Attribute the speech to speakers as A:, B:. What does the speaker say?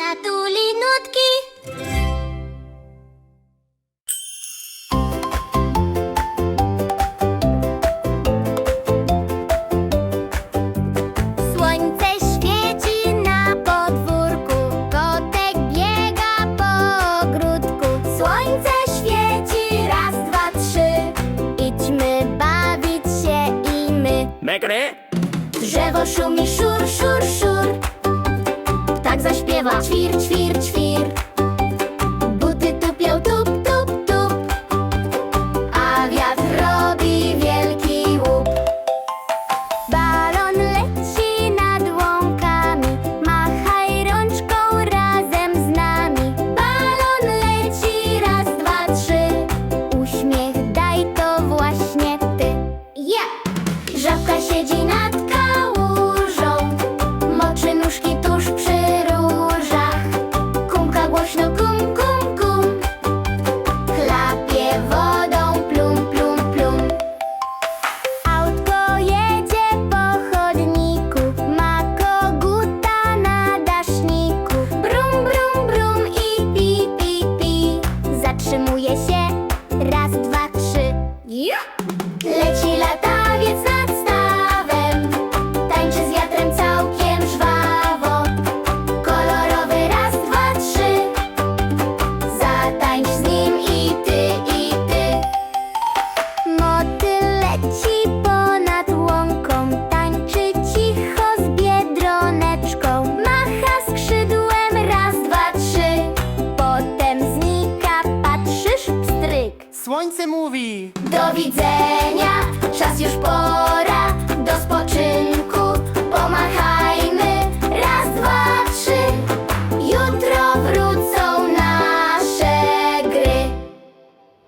A: natuli nutki. Słońce świeci na podwórku, kotek biega po ogródku. Słońce świeci, raz, dwa, trzy, idźmy bawić się i my.
B: Mekry?
A: Drzewo szumi, szur, szur, szur. Ptak zaśpiewa, ćwir, ćwir, ćwir. Buty tupią, tup, tup, tup. A wiatr robi wielki łup. Balon leci nad łąkami, machaj rączką razem z nami. Balon leci, raz, dwa, trzy, uśmiech daj, to właśnie ty. Żabka siedzi nad kałużą, moczy nóżki tuż przy różach. Kumka głośno kum, kum, kum, chlapie wodą plum, plum, plum. Autko jedzie po chodniku, ma koguta na daszniku. Brum, brum, brum i pi, pi, pi. Zatrzymuje się, raz, dwa, trzy. Leci latawiec nad stawem, tańczy z wiatrem całkiem żwawo. Kolorowy, raz, dwa, trzy, zatańcz z nim i ty, i ty. Motyl leci ponad łąką, tańczy cicho z biedroneczką. Macha skrzydłem, raz, dwa, trzy, potem znika, patrzysz, pstryk.
B: Słońce mówi.
A: Do widzenia, czas już po